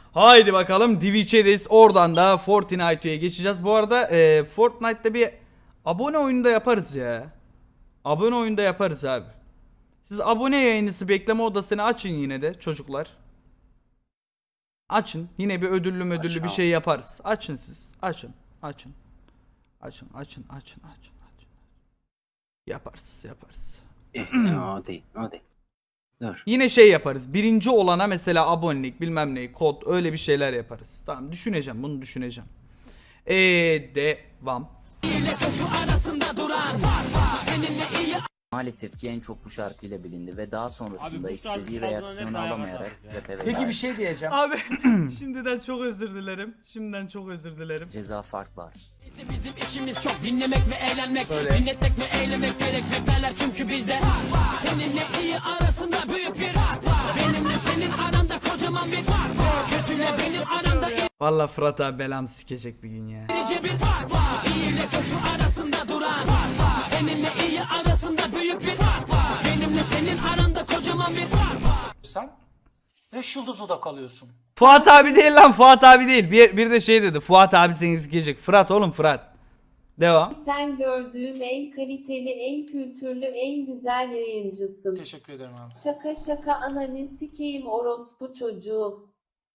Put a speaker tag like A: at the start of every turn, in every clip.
A: Haydi bakalım Twitch'edeyiz. Oradan da Fortnite'ye geçeceğiz. Bu arada Fortnite'da bir abone oyunda yaparız ya. Abone oyunda yaparız abi. Siz abone yayınısı bekleme odasını açın yine de çocuklar. Açın. Yine bir ödüllü bir şey yaparız. Açın siz. Açın. Açın. Yaparız.
B: O değil. Dur.
A: Yine şey yaparız. Birinci olana mesela abonelik bilmem ne kod öyle bir şeyler yaparız. Tamam bunu düşüneceğim. Devam.
C: Maalesef ki en çok bu şarkıyla bilindi ve daha sonrasında istediği reaksiyonu alamayarak rap'e veda
D: Peki bir
C: etti.
D: şey diyeceğim.
A: Abi şimdiden çok özür dilerim.
C: Ceza fark var.
E: Bizim işimiz çok dinlemek ve eğlenmek,
A: Böyle.
E: dinletmek ve eylemek gerek beklerler çünkü bizde seninle iyi arasında büyük bir fark var. Benimle senin aranda kocaman bir fark var. Kötüyle benim aramda
A: Vallahi Fırat abi belam sikecek bir gün ya.
E: irice bir fark var. İyi ile kötü arasında duran fark var. Seninle iyi arasında büyük bir fark var. Benimle senin aranda kocaman bir fark var.
D: Sen 5 yıldız oda kalıyorsun.
A: Fuat abi değil lan Fuat abi değil. Bir de şey dedi. Fuat abi seni sikecek. Fırat oğlum Fırat. Devam.
F: Sen gördüğüm en kaliteli, en kültürlü, en güzel yayıncısın.
D: Teşekkür ederim abi.
F: Şaka şaka ananı sikeyim orospu çocuğu.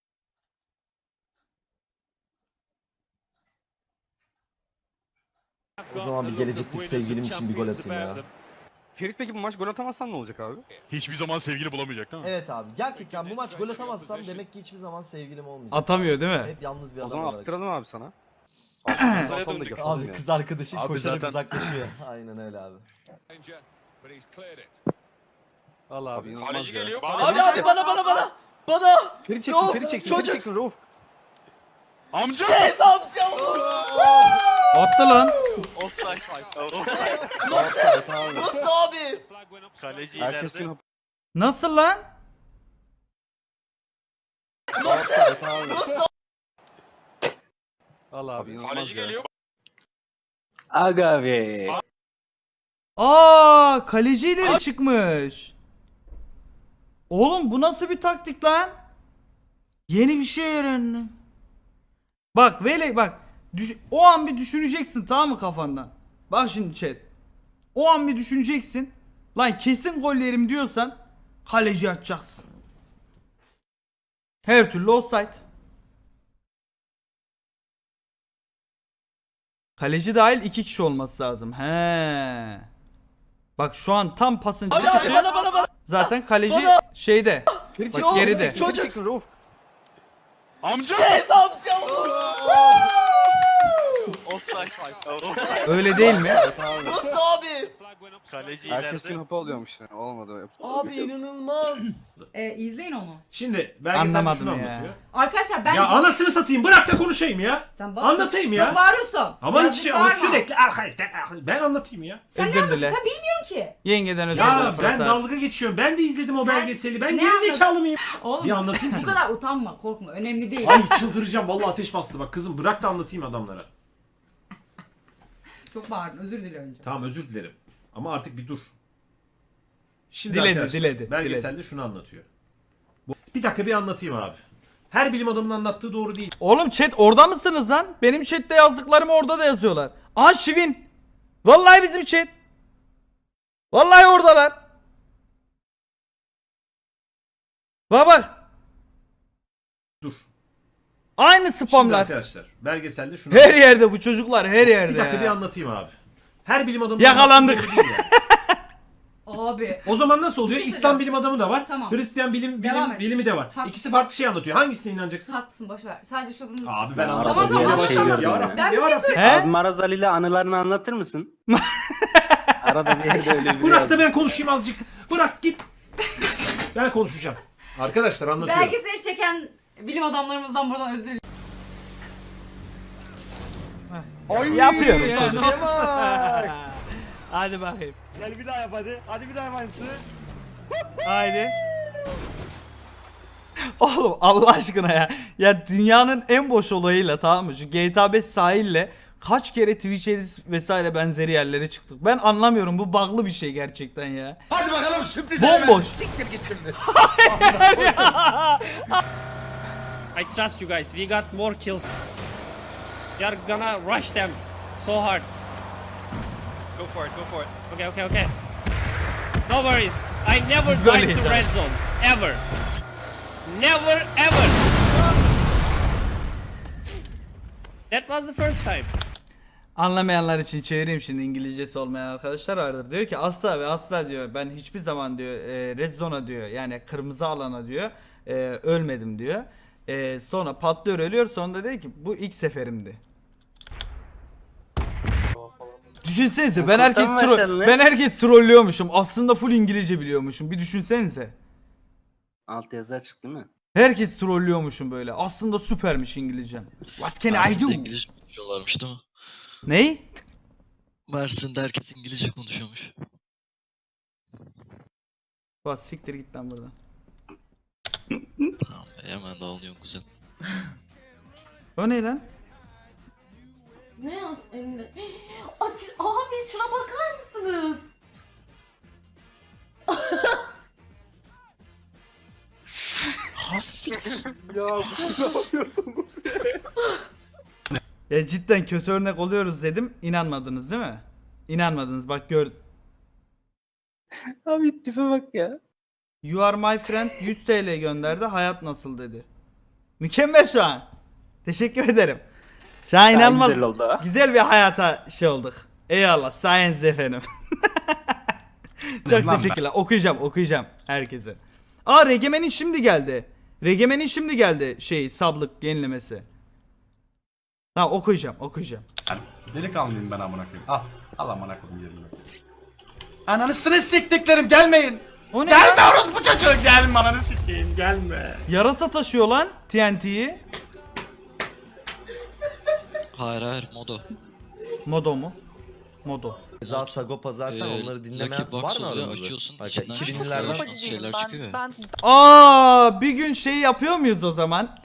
G: O zaman bir gelecekteki sevgilim için bir gol atayım ya.
H: Ferit peki bu maç gol atamazsan ne olacak abi?
I: Hiçbir zaman sevgili bulamayacak değil mi?
G: Evet abi gerçekten bu maç gol atamazsam demek ki hiçbir zaman sevgilim olmayacak.
A: Atamıyor değil mi?
G: Hep yalnız bir
H: O
G: adam
H: zaman
G: olarak.
H: attıralım abi sana. Atalım da yapalım
G: Abi
H: ya.
G: kız arkadaşın
I: Abi
G: koşarak
I: zaten-
G: uzaklaşıyor. Aynen öyle abi.
H: Al abi inanılmaz ya.
G: Abi bana! Bana!
H: Ferit
G: Yok,
H: çeksin
G: çocuk.
H: Rauf.
I: Amca!
G: Yes amcam!
A: Attı lan.
G: Nasıl abi?
H: Herkes gün
A: Nasıl lan?
G: Nasıl?
H: Al abi inanılmaz ya.
B: Aga be.
A: Aa, kaleci ileri çıkmış. Oğlum bu nasıl bir taktik lan? Yeni bir şey öğrendim. Bak Vele bak. O an bir düşüneceksin tamam mı kafandan? Bak şimdi chat. O an bir düşüneceksin. Lan kesin gol yerim diyorsan kaleci atacaksın. Her türlü offside. Kaleci dahil 2 kişi olması lazım. He. Bak şu an tam pasın çıkışı.
G: Bana!
A: Zaten kaleci şeyde.
H: Ferit
A: Bak geride.
H: çeksin Rauf.
I: Amca!
G: Yes amcam!
A: Öyle değil mi?
G: Nasıl abi?
H: Herkes gün hapı alıyormuş yani. Olmadı.
G: Abi inanılmaz.
J: İzleyin onu.
K: Şimdi belgeselde
A: Anlamadım
K: şunu
A: ya.
K: anlatıyor.
J: Arkadaşlar ben...
K: Ya anasını satayım bırak da konuşayım ya.
J: Sen bak,
K: Anlatayım
J: çok,
K: ya.
J: Çok bağırıyorsun.
K: Ama
J: Birazcık
K: hiç
J: bağırma.
K: sürekli ben anlatayım ya.
J: Sen
A: Özür
J: ne anlatıyorsun?
A: dile.
J: Sen bilmiyorsun ki.
A: Yengeden özür
K: Ya
A: dilerim
K: ben
A: Fırat abi.
K: dalga geçiyorum. Ben de izledim o
J: Sen
K: belgeseli. Ben
J: ne
K: gerizekalı mıyım?
J: Oğlum
K: Bir anlatayım
J: bu
K: şunu.
J: kadar utanma, korkma. Önemli değil.
K: Ay çıldıracağım. Vallahi ateş bastı bak kızım. Bırak da anlatayım adamlara.
J: Çok bağırdın. Özür dile önce.
K: Tamam özür dilerim. Ama artık bir dur. Şimdi
A: Diledi,
K: arkadaşlar,
A: diledi.
K: belgeselde şunu anlatıyor. Bir dakika bir anlatayım abi. Her bilim adamının anlattığı doğru değil.
A: Oğlum chat orada mısınız lan? Benim chatte yazdıklarımı orada da yazıyorlar. Aa Şivin. Vallahi bizim chat. Vallahi oradalar. Bak.
K: Dur.
A: Aynı
K: Şimdi
A: spamlar.
K: arkadaşlar belgeselde şunu
A: Her yerde bu çocuklar her yerde
K: Bir dakika bir
A: ya.
K: anlatayım abi. Her bilim adamı
A: Yakalandık.
K: anlattığı doğru değil yani.
J: Abi.
K: O zaman nasıl oluyor?
J: Bir şey
K: İslam
J: söyleyeceğim.
K: bilim adamı da var.
J: Tamam.
K: Hristiyan
J: Devam et.
K: bilimi de var.
J: Haklısın.
K: İkisi farklı şey anlatıyor. Hangisine inanacaksın?
J: Haklısın boşver. Sadece şunu...
K: Abi ben
B: Ya,
K: anlatamam.
J: Tamam, tamam,
K: Yavaş
J: tamam.
K: yavaş. Ya Rabbim,
J: Ben bir
K: ya
J: şey
K: Rabbim.
J: söyleyeyim.
A: He?
B: Abi Maraz Ali ile anılarını anlatır mısın? Arada bir yerde öyle bir
K: Bırak da ben konuşayım azıcık. Bırak git. Ben konuşacağım. Arkadaşlar anlatıyorum.
J: Belgeseli çeken bilim adamlarımızdan buradan özür dilerim.
A: Yapıyorum çocuk. Hadi bakayım.
H: Gel bir daha yap hadi. Hadi bir daha yap aynısını.
A: Haydi. Oğlum Allah aşkına ya. Ya dünyanın en boş olayıyla tamam mı? Şu GTA 5 sahille kaç kere Twitch edit vesaire benzeri yerlere çıktık. Ben anlamıyorum bu bug'lı bir şey gerçekten ya.
D: Hadi bakalım sürpriz.
A: Bomboş.
D: Siktir git şimdi.
E: I trust you guys. We got more kills. We are gonna rush them so hard.
H: Go for it, go for it.
E: Okay, okay, okay. No worries. I never
A: Biz böyleyiz
E: died to
A: abi.
E: red zone. Ever. Never ever. That was the first time.
A: Anlamayanlar için çevireyim şimdi, İngilizcesi olmayan arkadaşlar vardır. Diyor ki asla ve asla diyor ben hiçbir zaman diyor red zone'a diyor yani kırmızı alana diyor ölmedim diyor. Sonra patlıyor ölüyor, sonra diyor ki bu ilk seferimdi. Düşünsenize ben
B: Okuldan başladın lan.
A: herkes trollüyormuşum. Aslında full İngilizce biliyormuşum. Bir düşünsenize.
B: Alt yazı açık değil mi?
A: Herkes trollüyormuşum böyle. Aslında süpermiş İngilizcem. What can I do?
E: İngilizce konuşuyorlarmış değil mi?
A: Ney?
E: Mersin'de herkes İngilizce konuşuyormuş.
A: Bak siktir git lan buradan.
E: Tamam, hemen dağılıyorum kuzen.
A: O ne lan?
J: Ne yaz elinde? Abi şuna bakar mısınız?
A: Ya cidden kötü örnek oluyoruz dedim. İnanmadınız değil mi? İnanmadınız, bak gör.
B: Abi tipe bak ya.
A: You are my friend 100 TL gönderdi. Hayat nasıl dedi. Mükemmel şu an. Teşekkür ederim. Şu an inanılmaz.
B: Güzel oldu ha.
A: Güzel bir hayata şey olduk. Eyvallah sayenize efendim. Çok teşekkürler. Okuyacağım herkese. Aa Regemen'in şimdi geldi. Regemen'in şimdi geldi sablık yenilemesi. Tamam okuyacağım.
H: Delikanlıyım ben amına koyayım. Al amına koyayım yerine. Ananı siktiklerim gelmeyin.
A: O ne
H: Gelme
A: lan?
H: orospu çocuğu gelme ananı sikeyim gelme.
A: Yarasa taşıyor lan TNT'yi.
E: Hayır modo.
A: Modo mu? Modo.
G: Ceza, Sagopa zaten onları dinlemeyen var mı aramızda? Bak, 2000'lerden
E: şeyler çıkıyor.
A: Aa bir gün yapıyor muyuz o zaman?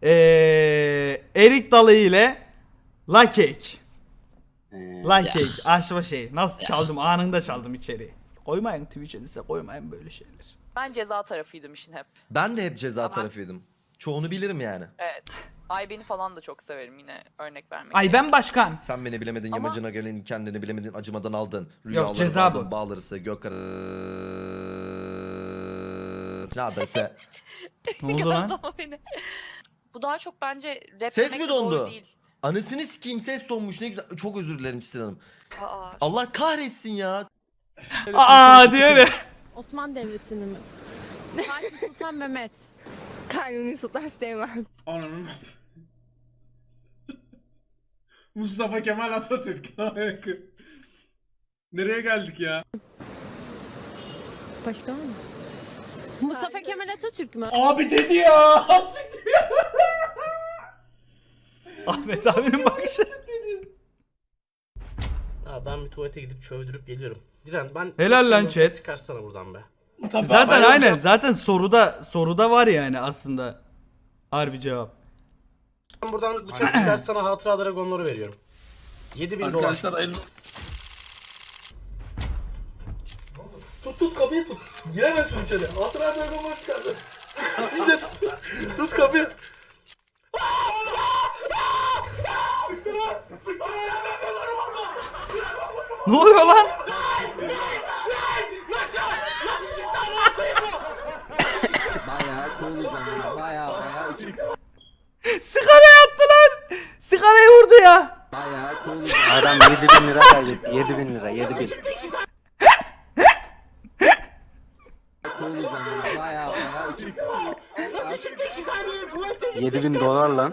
A: Erik dalı ile La Cake. La Cake aşma nasıl çaldım, anında çaldım içeriği. Koymayın Twitch'e dese, koymayın böyle şeyler.
J: Ben ceza tarafıydım işin hep.
G: ben de hep ceza tarafıydım. Çoğunu bilirim yani.
J: Evet. Ayben'i falan da çok severim yine örnek vermek.
A: Ay ben başkan.
G: Sen beni bilemedin,
J: Ama-
G: yamacına gelin, kendini bilemedin, acımadan aldın.
A: ceza
G: aldın,
A: bu.
G: bağlarısı, gök ne adrese.
A: Ne oldu lan?
J: Bu daha çok bence rap
G: Ses
J: demek
G: mi
J: doğru
G: dondu?
J: değil.
G: Anasını sikeyim, ses donmuş, ne güzel. Çok özür dilerim Çisil Hanım.
J: Aa,
G: Allah kahretsin ya.
A: Aa diyor ya.
F: Osmanlı Devleti'ni mi? Fatih Sultan Mehmet. Kanuni Sultan Süleyman.
H: Ananın. Mustafa Kemal Atatürk. Nereye geldik ya?
F: Başka mı? Mustafa Kemal Atatürk mü?
H: Abi dedi ya.
A: Ahmet abinin bakışı.
E: Ben bir tuvalete gidip çövdürüp geliyorum. Diren ben...
A: Helal lan chat.
E: Çıkarsana buradan be.
A: Zaten aynen. Zaten soruda var yani aslında. Harbi cevap.
E: Ben buradan bıçak çıkarsana hatıra dragonları veriyorum. 7000 dolar. Tut kapıyı tut. Giremezsin içeri. Hatıra dragonları çıkardı. İyice tut kapıyı.
A: Ne oluyor lan? Sigara yaptı lan. Sigarayı vurdu ya.
B: Adam 7.000 lira kaybetti. 7.000 lira 7.000. 7.000 dolar lan.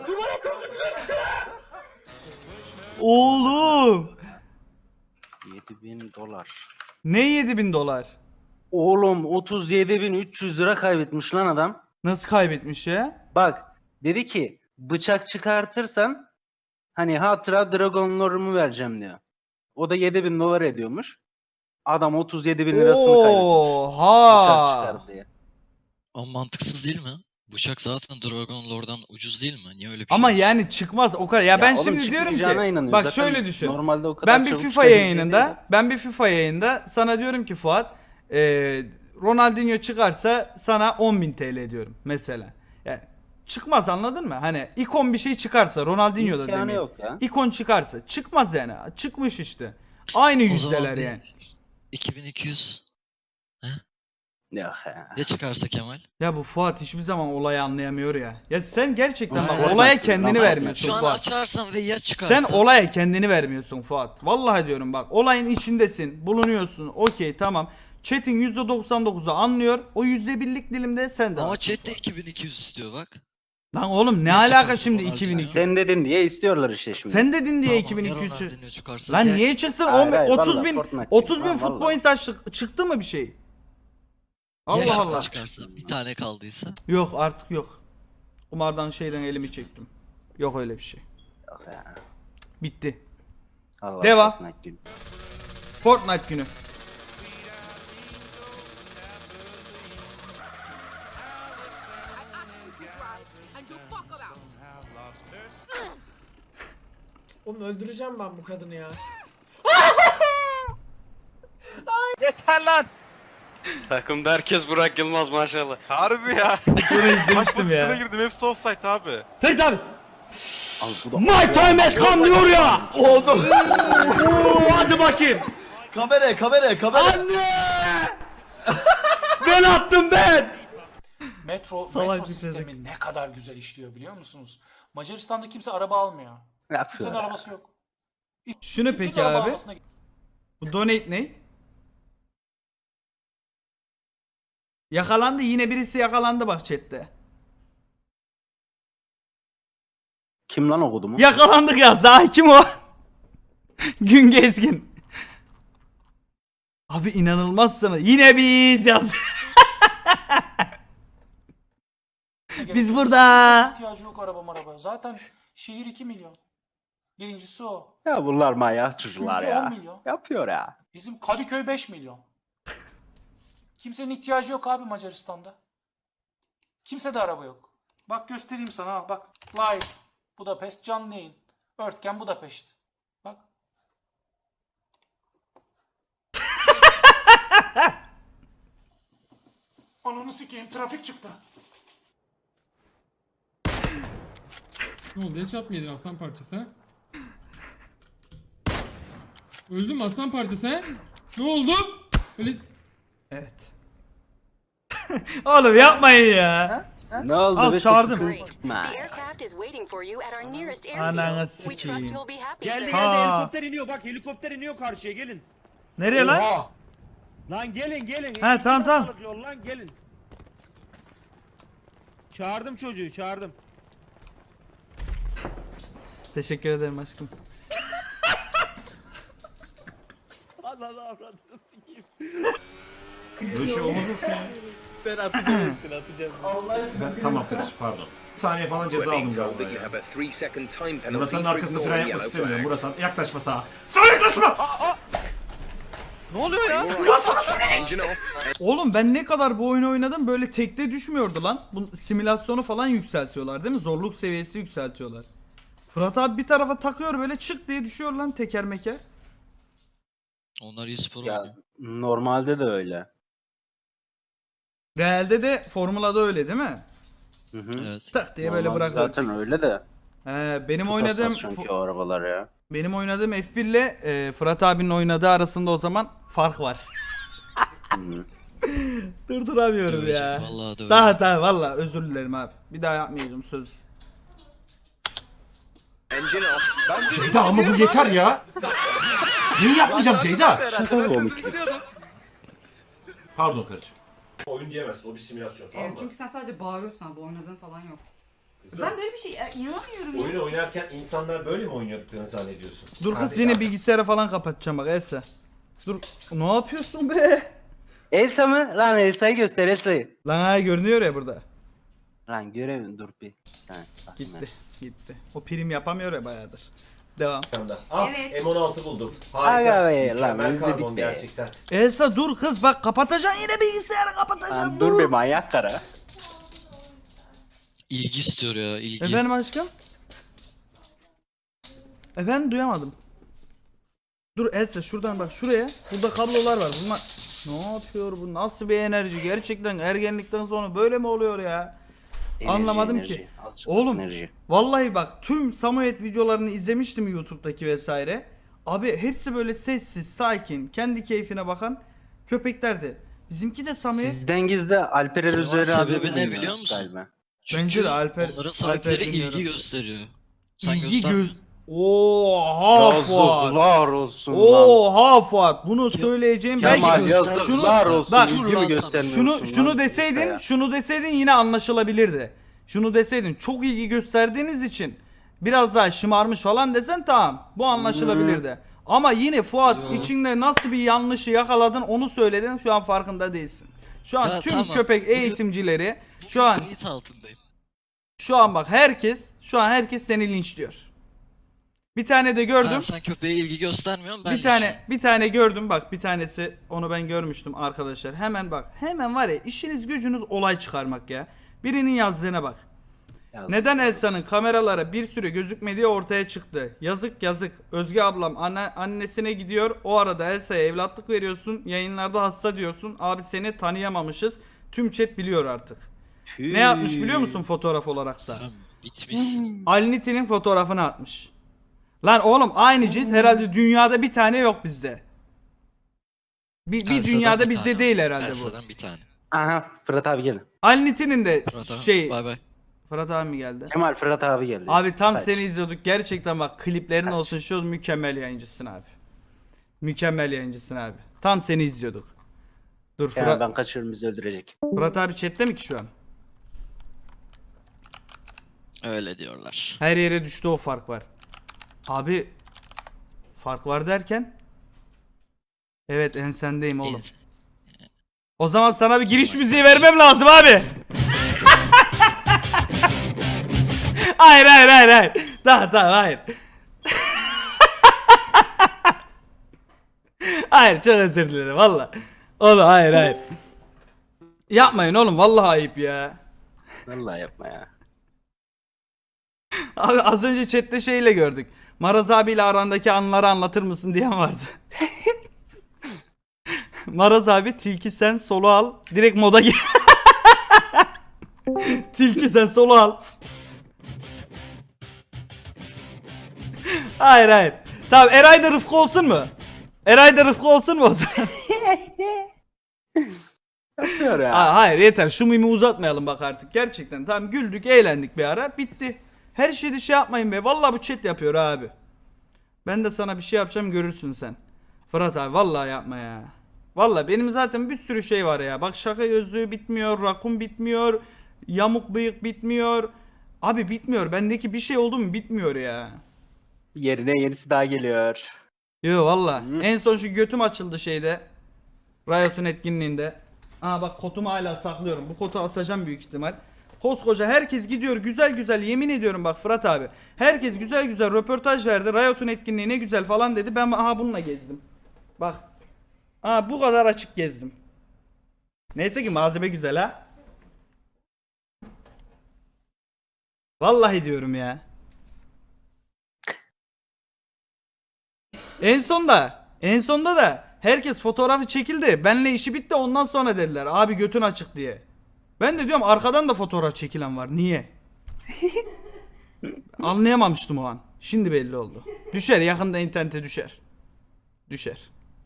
A: Oğlum.
B: 7.000 dolar.
A: Ne 7.000 dolar?
B: Oğlum 37.300 lira kaybetmiş lan adam.
A: Nasıl kaybetmiş ya?
B: Bak dedi ki bıçak çıkartırsan hani hatıra dragonlarımı vereceğim diyor. O da 7.000 dolar ediyormuş. Adam 37.000 lirasını kaybetmiş. Bıçak
A: Oha.
B: çıkardı diye.
E: Ama mantıksız değil mi? Bıçak zaten Dragon Lord'dan ucuz değil mi? Niye öyle bir
A: Ama
E: şey?
A: yani çıkmaz o kadar. Ya ben
B: oğlum
A: şimdi diyorum
B: çıkmayacağına
A: ki
B: inanıyor.
A: bak
B: Zaten
A: şöyle düşün.
B: Normalde o kadar
A: Ben bir
B: çabuk
A: FIFA
B: çıkabilecek
A: yayınında, sana diyorum ki Fuat, Ronaldinho çıkarsa sana 10.000 TL diyorum mesela. Yani Çıkmaz, anladın mı? Hani ikon bir şey çıkarsa, Ronaldinho da
B: İmkanı
A: demeyeyim.
B: yok ya.
A: İkon çıkarsa çıkmaz yani. Çıkmış işte. Aynı yüzdeler yani.
E: 2200
B: Yok ya.
E: ya çıkarsa Kemal?
A: Ya bu Fuat hiçbir zaman olayı anlayamıyor ya. Ya sen gerçekten bak
B: Aynen.
A: olaya kendini
B: Lan,
A: vermiyorsun
E: Şu an
A: Fuat.
E: açarsam ve ya çıkarsa?
A: Sen olaya kendini vermiyorsun Fuat. Vallahi diyorum bak, olayın içindesin, bulunuyorsun. Okey, tamam. Chat'in %99'u anlıyor. O %1'lik dilimde sen de
E: Ama
A: varsın
E: chat de
A: Fuat.
E: 2200 istiyor bak.
A: Lan oğlum ne
E: Ya
A: alaka
E: çıkarsa
A: şimdi
E: Ronaldinho?
A: 2200?
B: Sen dedin diye istiyorlar işte şimdi.
A: Sen dedin diye
E: Tamam, ya
A: 2200 çık.
E: Ronaldinho çıkarsa
A: Lan
E: ya-
A: niye çıksın?
B: Hayır, hayır,
A: 30
B: vallahi
A: bin
B: Fortnite
A: 30 bin
B: değil.
A: foot
B: Vallahi.
A: points çıktı mı bir şey?
E: ya
A: Allah
E: şaka
A: Allah.
E: çıkarsa bir tane kaldıysa.
A: Yok artık yok. Kumardan şeyden elimi çektim. Yok öyle bir şey.
B: Yok ya.
A: Bitti.
B: Allah
A: Devam.
B: Fortnite gibi.
A: Fortnite günü.
D: Oğlum öldüreceğim ben bu kadını ya.
I: Yeter lan.
G: Takımda herkes Burak Yılmaz maşallah.
I: Harbi ya.
A: Bunu izlemiştim
I: Pozisyona
A: ya.
I: girdim hepsi offside abi.
A: Ferit abi.
B: Al bu da.
A: My time has come diyor ya.
H: Oldu.
A: Oo, hadi bakayım.
H: Kamera.
A: Anne. Ben attım ben.
D: Metro
A: Salak bir
D: sistemi ne kadar güzel işliyor biliyor musunuz? Macaristan'da kimse araba almıyor.
B: Ne
D: Kimsenin
B: yapıyorlar?
D: arabası yok.
A: Şunu
D: Kimsenin
A: peki
D: araba
A: abi.
D: almasına-
A: Bu donate ne? Yakalandı, yine birisi yakalandı bak chatte.
B: Kim lan okudu mu?
A: Yakalandık ya. Zahi kim o? Gün Gezgin. Abi inanılmazsınız. Yine biz yaz. Biz burada.
D: İhtiyacı yok araba. Zaten şehir 2 milyon. Birincisi o.
B: Ya bunlar manyak çocuklar
D: Ülke 10
B: ya.
D: milyon.
B: Yapıyor ya.
D: Bizim Kadıköy 5 milyon. Kimsenin ihtiyacı yok abi Macaristan'da. Kimse de araba yok. Bak göstereyim sana ha. Bak live. Budapest canlı yayın. Örtgen Budapest. Bak. Ananı sikeyim trafik çıktı.
F: Ne oldu? Headshot mı yedin aslan parçası ha? Öldüm aslan parçası ha? Ne oldu? Öyle...
A: Evet. Oğlum yapmayın ya.
B: Ne oldu?
A: Al,
B: be?
A: çağırdım.
B: Sıkıntı çıkma.
A: Ananı sikeyim.
I: Geldi
A: Ha.
I: helikopter iniyor bak helikopter iniyor karşıya gelin.
A: Nereye lan?
I: Lan gelin.
A: He, tamam.
I: Yol lan gelin. Çağırdım çocuğu çağırdım.
A: Teşekkür ederim aşkım.
I: Allah avradını sikeyim.
K: Böyle şey olmaz olsun ya.
I: Ben atacağım.
K: Tamam kardeşim pardon. Bir saniye falan ceza aldım galiba ya. Murat'ın arkasında fren yapmak istemiyorum. Murat'ın yaklaşma sağa. Sağa yaklaşma!
I: Ne oluyor ya?
A: Oğlum ben ne kadar bu oyunu oynadım böyle tekte düşmüyordu lan. Bu simülasyonu falan yükseltiyorlar değil mi? Zorluk seviyesi yükseltiyorlar. Fırat abi bir tarafa takıyor böyle çık diye düşüyor lan teker meker.
E: Onlar e-spor
B: Ya
E: oynuyor.
B: normalde de öyle.
A: Realde de Formula'da öyle değil mi?
B: Hı hı.
E: Evet.
A: Tak diye böyle
B: Normalde
A: bırakıyor.
B: zaten öyle de.
A: Benim
B: Çok
A: oynadığım
B: hassas çünkü o arabalar ya.
A: benim oynadığım F1 ile Fırat abinin oynadığı arasında o zaman fark var.
B: Hı.
A: Durduramıyorum
E: Dövecek,
A: ya.
E: vallahi dövecek.
A: Daha valla özür dilerim abi. Bir daha yapmayacağım söz.
K: Ceyda ama bu yeter ya. Niye yapmayacağım Ceyda? Pardon kardeşim. Oyun diyemezsin, o bir simülasyon tamam mı?
F: Çünkü sen sadece bağırıyorsun abi. Oynadığın falan yok.
K: Kızım,
F: Ben böyle bir şey inanamıyorum ya.
K: oyunu oynarken insanlar böyle mi oynuyorduklarını zannediyorsun?
A: Dur kız
K: Kardeş
A: yine
K: abi.
A: bilgisayarı falan kapatacağım bak Elsa. Dur ne yapıyorsun be?
B: Elsa mı? Lan Elsa'yı göster Elsa'yı.
A: Lan ha görünüyor ya burada.
B: Lan göremiyorum dur bir saniye.
A: Gitti. Gitti. O prim yapamıyor ya bayağıdır. Devam.
K: Ah,
F: Evet.
K: M16 buldum.
B: Aga
K: Harika.
B: be, lan
K: Mükemmel
B: izledik
K: karbon
B: be.
K: gerçekten.
A: Elsa dur kız bak kapatacaksın yine bilgisayarı kapatacaksın.
B: Lan dur bir manyak kara.
E: İlgi istiyor ya ilgi.
A: Efendim aşkım? Efendim duyamadım. Dur Elsa şuradan bak şuraya. Burada kablolar var. Bunlar ne yapıyor bu? Nasıl bir enerji? Gerçekten ergenlikten sonra böyle mi oluyor ya? Anlamadım
B: enerji.
A: ki.
B: Azıcık
A: Oğlum
B: enerji.
A: vallahi bak tüm Samoyed videolarını izlemiştim YouTube'daki vesaire. Abi hepsi böyle sessiz, sakin, kendi keyfine bakan köpeklerdi. Bizimki de Samoyed.
B: Sizden gizli Alper Erüzeri abi
I: sebebi ne
B: bilmiyor
I: biliyor musun?
B: Galiba.
A: Bence de Alper.
I: Onların
A: Alper
I: sahipleri
A: bilmiyorum.
I: ilgi gösteriyor. Sen
A: İlgi
I: göstermiyorsun.
A: Oha Fuat.
B: Yazıklar olsun lan.
A: Oha Fuat. Bunu söyleyeceğim
B: Kemal
A: belki
B: yazıklar olsun.
A: bak,
B: İlgi mi göstermiyorsun
A: şunu
B: lan
A: deseydin,
B: kimseye?
A: şunu deseydin yine anlaşılabilirdi. Şunu deseydin çok ilgi gösterdiğiniz için biraz daha şımarmış falan desen tamam. Bu anlaşılabilirdi. Ama yine Fuat
I: Yo.
A: içinde nasıl bir yanlışı yakaladın onu söyledin. Şu an farkında değilsin. Şu an
I: Ya
A: tüm
I: tamam.
A: köpek eğitimcileri şu an
I: Kayıt altındayım.
A: bak herkes seni linçliyor. Bir tane de gördüm.
I: Sen köpeğe ilgi göstermiyorsun ben
A: Bir tane gördüm bak, bir tanesi, onu ben görmüştüm arkadaşlar. Hemen var ya, işiniz gücünüz olay çıkarmak ya. Birinin yazdığına bak. Neden Elsa'nın kameralara bir süre gözükmediği ortaya çıktı. Yazık. Özge ablam annesine gidiyor. O arada Elsa'ya evlatlık veriyorsun. Yayınlarda hasta diyorsun. Abi seni tanıyamamışız. Tüm chat biliyor artık. Ne yapmış biliyor musun fotoğraf olarak da?
I: Sen bitmiş.
A: Alniti'nin fotoğrafını atmış. Lan oğlum aynı cins herhalde dünyada bir tane yok bizde. Bir
I: Elsa'dan
A: dünyada
I: bir
A: bizde
I: tane.
A: değil herhalde bu.
I: Elsa'dan bir tane.
B: Aha Fırat abi geldi.
A: Alniti'nin de
I: Fırat abi,
A: şey
I: Bay bay.
A: Fırat abi mi geldi?
B: Kemal Fırat abi geldi.
A: Abi tam
B: Kaç.
A: seni izliyorduk. Gerçekten bak kliplerin
B: Kaç.
A: olsun şu mükemmel yayıncısın abi. Mükemmel yayıncısın abi. Tam seni izliyorduk. Dur
B: Kemal ben kaçıyorum bizi öldürecek.
A: Fırat abi chatte mi ki şu an?
I: Öyle diyorlar.
A: Her yere düştü, o fark var. Abi fark var derken? Evet ensendeyim oğlum. O zaman sana bir giriş müziği vermem lazım abi. Hayır. Tamam hayır. Hayır çok özür dilerim valla. Oğlum hayır. Yapmayın oğlum vallahi ayıp ya.
B: Vallahi yapma ya.
A: Abi az önce chatte şeyle gördük. Maraz abiyle arandaki anıları anlatır mısın diyen vardı. Maraz abi tilki sen solo al. Direkt moda gir. Tilki sen solo al. Hayır. Tamam Eray da Rıfkı olsun mu? O zaman?
B: Yapıyor ya.
A: Hayır yeter, şu mimi uzatmayalım bak artık gerçekten. Tamam güldük eğlendik bir ara, bitti. Her şeyde şey yapmayın be, vallahi bu chat yapıyor abi. Ben de sana bir şey yapacağım görürsün sen. Fırat abi vallahi yapma ya. Vallahi benim zaten bir sürü şey var ya. Bak şaka gözlüğü bitmiyor, rakun bitmiyor, yamuk bıyık bitmiyor. Abi bitmiyor, bendeki bir şey oldu mu bitmiyor ya.
B: Yerine yenisi daha geliyor.
A: Yo valla. En son şu götüm açıldı şeyde. Riot'un etkinliğinde. Aa bak kotumu hala saklıyorum. Bu kotu asacağım büyük ihtimal. Koskoca herkes gidiyor güzel yemin ediyorum bak Fırat abi. Herkes güzel röportaj verdi. Riot'un etkinliği ne güzel falan dedi. Ben aha bununla gezdim. Bak. Aa bu kadar açık gezdim. Neyse ki malzeme güzel ha. Vallahi diyorum ya. En sonda da herkes fotoğrafı çekildi. Benle işi bitti, ondan sonra dediler abi götün açık diye. Ben de diyorum arkadan da fotoğraf çekilen var. Niye? Anlayamamıştım o an. Şimdi belli oldu. Düşer, yakında internete düşer.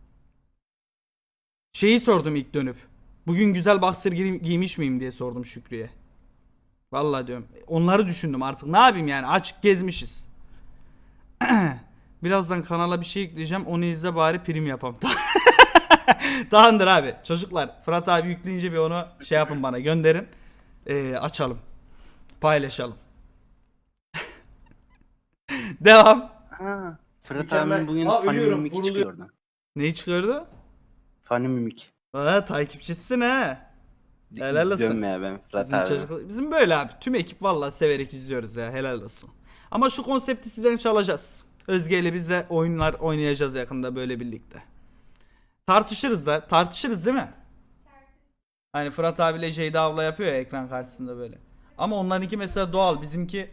A: Şeyi sordum ilk dönüp. Bugün güzel boxer giymiş miyim diye sordum Şükrü'ye. Vallahi diyorum. Onları düşündüm artık. Ne yapayım yani? Açık gezmişiz. Birazdan kanala bir şey ekleyeceğim. Onu izle bari prim yapam. Tamamdır abi. Çocuklar Fırat abi yükleyince bir onu şey yapın bana gönderin. Açalım. Paylaşalım. Devam.
B: Ha, Fırat
H: Mükemmel.
B: abinin bugün
H: Aa,
B: Funny
H: ölüyorum,
B: Mimik
H: vuruluyor.
B: çıkıyordu.
A: Neyi çıkardı?
B: Funny Mimik.
A: Takipçisin ha. Helal olsun.
B: İzliyorum ya ben Fırat
A: Bizim
B: abi.
A: çocuk, bizim böyle abi. Tüm ekip vallahi severek izliyoruz ya. Helal olsun. Ama şu konsepti sizden çalacağız. Özge ile biz de oyunlar oynayacağız yakında böyle birlikte. Tartışırız değil mi? Hani Fırat abiyle Ceyda abla yapıyor ya ekran karşısında böyle. Ama onlarınki mesela doğal, bizimki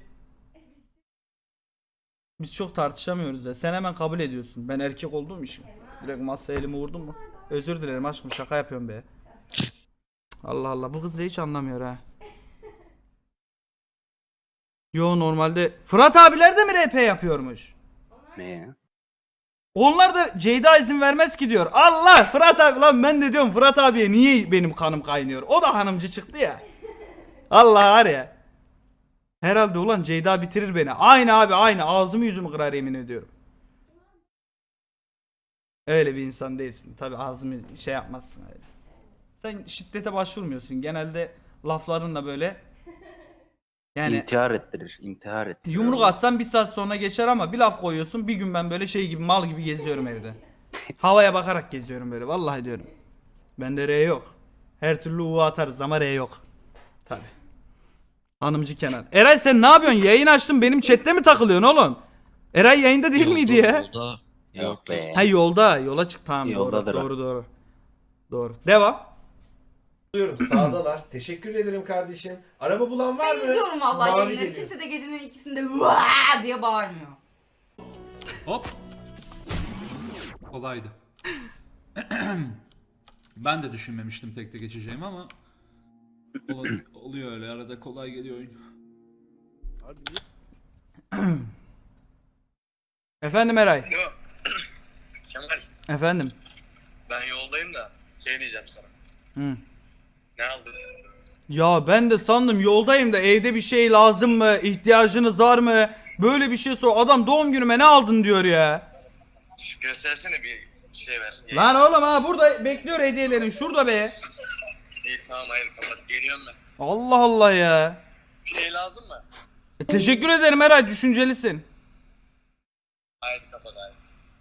A: biz çok tartışamıyoruz ya. Sen hemen kabul ediyorsun. Ben erkek olduğum için. Direkt masaya elimi vurdum mu? Özür dilerim aşkım, şaka yapıyorum be. Allah Allah, bu kız da hiç anlamıyor ha. Yo normalde Fırat abiler de mi RP yapıyormuş?
B: Ne ya?
A: Onlar da Ceyda izin vermez ki diyor. Allah Fırat abi lan ben de diyorum Fırat abiye niye benim kanım kaynıyor? O da hanımcı çıktı ya. Allah var ya. Herhalde ulan Ceyda bitirir beni. Aynı abi aynı ağzımı yüzümü kırar yemin ediyorum. Öyle bir insan değilsin. Tabi ağzımı şey yapmazsın öyle. Sen şiddete başvurmuyorsun. Genelde laflarınla böyle yani
B: İntihar ettirir. İntihar ettirir.
A: yumruk atsan bir saat sonra geçer ama bir laf koyuyorsun bir gün ben böyle şey gibi mal gibi geziyorum evde. Havaya bakarak geziyorum böyle vallahi diyorum. Bende R yok. Her türlü U atarız ama R yok. Tabi. Hanımcı Kenan. Eray sen ne yapıyorsun? Yayın açtın benim chatte mi takılıyorsun oğlum? Eray yayında değil miydi ya?
I: Yolda.
B: Yok be.
A: Ha yolda. Yola çık tamam
B: Yoldadır o.
A: doğru. Doğru. Devam.
K: Sağdalar. Teşekkür ederim kardeşim. Araba bulan var mı?
F: İzliyorum vallahi
K: Mavi
F: yayınları.
K: geliyor.
F: Kimse de gecenin ikisinde vaa diye bağırmıyor.
D: Hop. Kolaydı. Ben de düşünmemiştim tekte geçeceğimi ama oluyor öyle arada kolay geliyor oyun.
A: Efendim Eray.
H: Kemal,
A: Efendim.
H: ben yoldayım da şey diyeceğim sana.
A: Hı.
H: Ne aldın?
A: Ya ben de sandım yoldayım da evde bir şey lazım mı? İhtiyacınız var mı? Böyle bir şey sor. Adam doğum günüme ne aldın diyor ya.
H: Göstersene bir şey ver.
A: Lan oğlum ha burada bekliyor hediyelerin şurada be.
H: İyi tamam hayır kapat. Geliyorum ben.
A: Allah Allah ya.
H: Bir şey lazım mı?
A: Teşekkür ederim Eray düşüncelisin.
H: Hayır kapat hayır.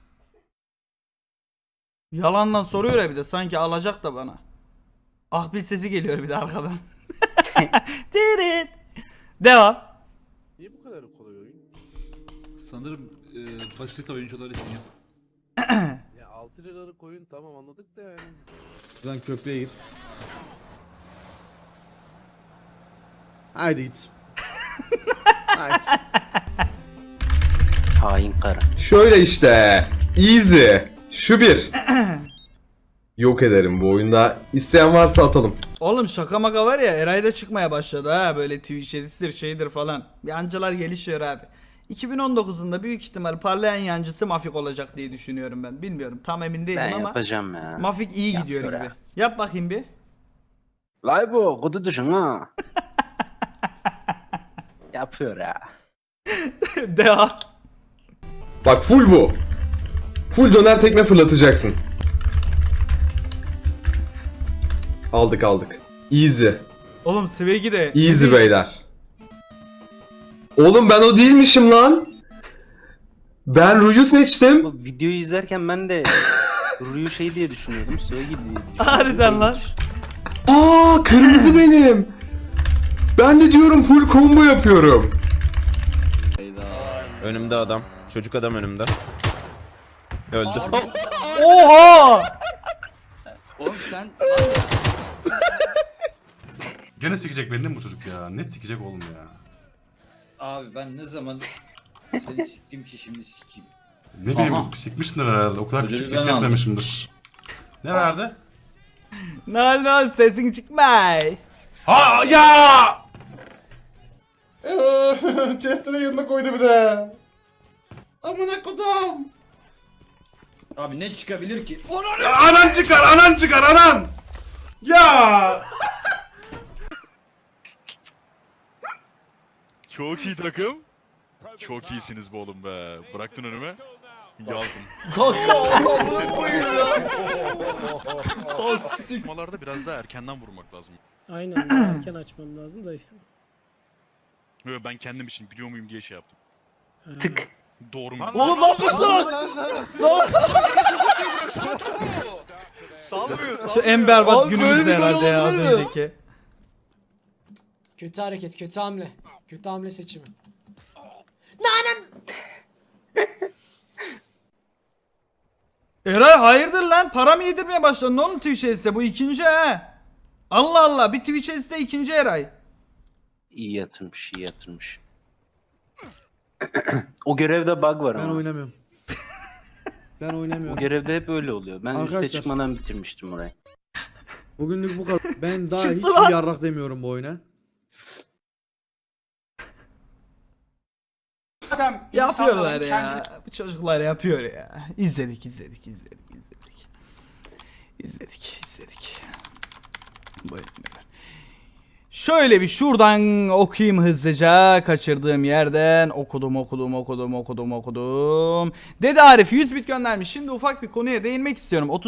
A: Yalandan soruyor ya bir de sanki alacak da bana. Ahbil sesi geliyor bir de arkadan. Tirit. Devam.
K: Niye bu kadar kolay oyun?
D: Sanırım basit oyuncular için ya.
K: Ya 6 liralık oyun tamam anladık da yani. Buradan köprüye gir. Haydi git. Haydi.
B: Hain karı.
L: Şöyle işte. Easy. Şu bir. Yok ederim bu oyunda. İsteyen varsa atalım.
A: Oğlum şaka maka var ya Eray da çıkmaya başladı ha böyle Twitch edisidir şeydir falan. Yancılar gelişiyor abi. 2019'unda büyük ihtimal parlayan yancısı Mafik olacak diye düşünüyorum ben. Bilmiyorum tam emin değilim
B: Ben
A: ama
B: yapacağım ya.
A: Mafik iyi gidiyor
B: Yapıyor
A: gibi.
B: ha.
A: Yap bakayım bir.
B: Vay bu kudu düşün ha. Yapıyor ya.
A: Devam.
L: Bak full bu. Full döner tekme fırlatacaksın. Aldık. Easy.
A: Oğlum Swag'i de.
L: Easy beyler. Oğlum ben o değilmişim lan. Ben Ru'yu seçtim.
B: Bu videoyu izlerken ben de Ruyu şey diye düşünüyordum. Söyle gibi diye düşünüyordum.
A: Harbiden lan.
L: Aa kırmızı benim. Ben de diyorum full combo yapıyorum.
G: Önümde adam. Çocuk adam önümde. Öldü.
A: Oha!
C: Oğlum sen
H: Gene sikecek beni değil mi bu çocuk ya? Net sikecek oğlum ya.
C: abi ben ne zaman seni siktim ki şimdi sikeyim.
H: Ne bileyim sikmişsindir herhalde. O kadar küçük
C: ben
H: pis yapmamışımdır. Ne verdi?
A: No sesin çıkmay.
H: Ha ya! Chester'ın yanına koydu bir de. Amına kodum.
C: Abi ne çıkabilir ki?
H: Ya anan çıkar anan. Ya!
M: Çok iyi takım. Çok iyisiniz be oğlum be. Bıraktın önüme. Yazdım.
G: Kanka Allah'ını koyayım ya.
M: Sıkmalarda biraz daha erkenden vurmak lazım.
F: Aynen erken açmam lazım da.
M: Yo, ben kendim için biliyor muyum diye şey yaptım.
B: Tık.
M: Doğru mu?
G: Oğlum ne yapıyorsun?
A: Şu en berbat
G: Abi böyle
A: günümüzde
G: bir gol
A: herhalde ya az
G: olabilir mi?
A: önceki.
F: Kötü hareket, kötü hamle. Kötü hamle seçimi.
A: Eray hayırdır lan? Para mı yedirmeye başladın oğlum Twitch Ads'e? Bu ikinci ha. Allah Allah bir Twitch Ads'te ikinci Eray.
B: İyi yatırmış, iyi yatırmış. O görevde bug var ama.
K: oynamıyorum. Ben
B: O
K: oynamıyorum.
B: görevde hep öyle oluyor. Ben
K: Arkadaşlar.
B: üste çıkmadan bitirmiştim orayı.
K: Bugünlük bu kadar. Ben daha
A: Çıktı
K: hiçbir
A: lan.
K: yarrak demiyorum bu oyuna.
D: Madem
A: Yapıyorlar
D: insanların
A: ya. Bu çocuklar yapıyor ya. İzledik. Buyurun. Şöyle bir şuradan okuyayım hızlıca. Kaçırdığım yerden okudum. Dede Arif 100 bit göndermiş. Şimdi ufak bir konuya değinmek istiyorum.